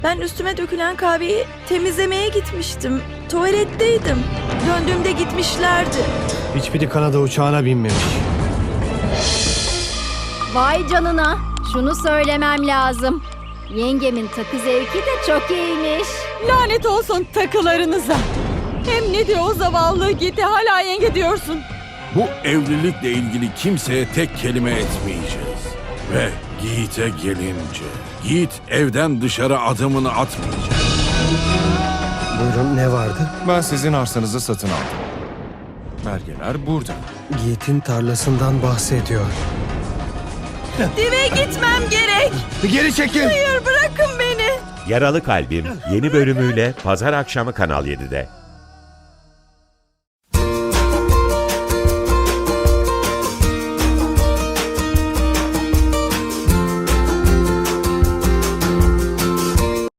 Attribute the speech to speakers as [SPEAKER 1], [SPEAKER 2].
[SPEAKER 1] Ben üstüme dökülen kahveyi temizlemeye gitmiştim. Tuvaletteydim. Döndüğümde gitmişlerdi.
[SPEAKER 2] Hiçbiri Kanada uçağına binmemiş.
[SPEAKER 3] Vay canına. Şunu söylemem lazım. Yengemin takı zevki de çok iyiymiş.
[SPEAKER 4] Lanet olsun takılarınıza. Hem ne diyor o zavallı Yiğit'e hala yenge diyorsun.
[SPEAKER 5] Bu evlilikle ilgili kimseye tek kelime etmeyeceğiz. Ve Yiğit'e gelince, Yiğit evden dışarı adımını atmayacak.
[SPEAKER 2] Buyurun, ne vardı?
[SPEAKER 6] Ben sizin arsanızı satın aldım. Belgeler burada.
[SPEAKER 2] Yiğit'in tarlasından bahsediyor.
[SPEAKER 1] Dive gitmem gerek.
[SPEAKER 2] Geri çekil!
[SPEAKER 1] Hayır, bırakın beni.
[SPEAKER 7] Yaralı Kalbim yeni bölümüyle pazar akşamı Kanal 7'de.